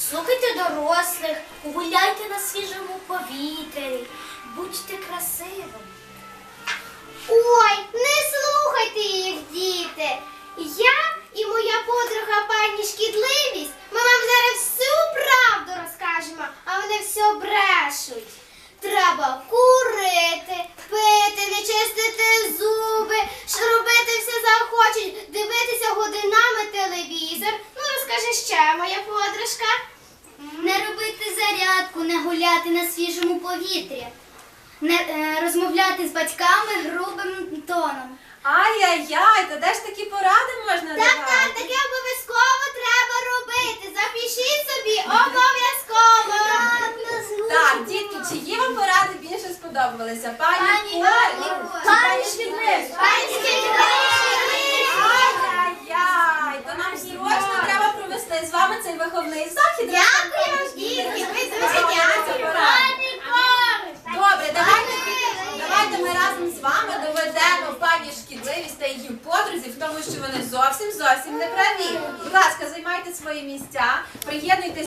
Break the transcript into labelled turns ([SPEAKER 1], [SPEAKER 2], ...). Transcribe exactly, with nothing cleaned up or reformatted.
[SPEAKER 1] Слухайте дорослих, гуляйте на свіжому повітрі, будьте красивими.
[SPEAKER 2] Ой, не слухайте їх, діти. Я і моя подруга пані Шкідливість, ми вам зараз всю правду розкажемо, а вони все брешуть. Треба курити, пити, не чистити зуби, що робити все захочуть, дивитися годинами телевізор. Ну, розкажи ще, моя подружка.
[SPEAKER 3] Не робити зарядку, не гуляти на свіжому повітрі, не е, розмовляти з батьками грубим тоном.
[SPEAKER 4] Ай-яй-яй, та де ж такі поради можна
[SPEAKER 2] Так,
[SPEAKER 4] давати?
[SPEAKER 2] так, таке обов'язково треба робити. Запишіть собі, обов'язково.
[SPEAKER 4] Так, дітки, чиї вам поради більше сподобалися? Пані
[SPEAKER 3] Пані
[SPEAKER 4] Колі
[SPEAKER 3] Колі.
[SPEAKER 4] чи пані Шкідливість?
[SPEAKER 2] Пані Шкідливість.
[SPEAKER 4] Ай-яй-яй, то нам срочно треба провести з вами цей виховний захід.
[SPEAKER 2] Дякую, дітки, ви дуже дякую.
[SPEAKER 4] Добре, давайте, давайте ми разом з вами доведемо пані Шкідливість та її подрузі в тому, що вони зовсім зовсім не праві. Будь ласка, займайте свої місця, приєднуйтесь.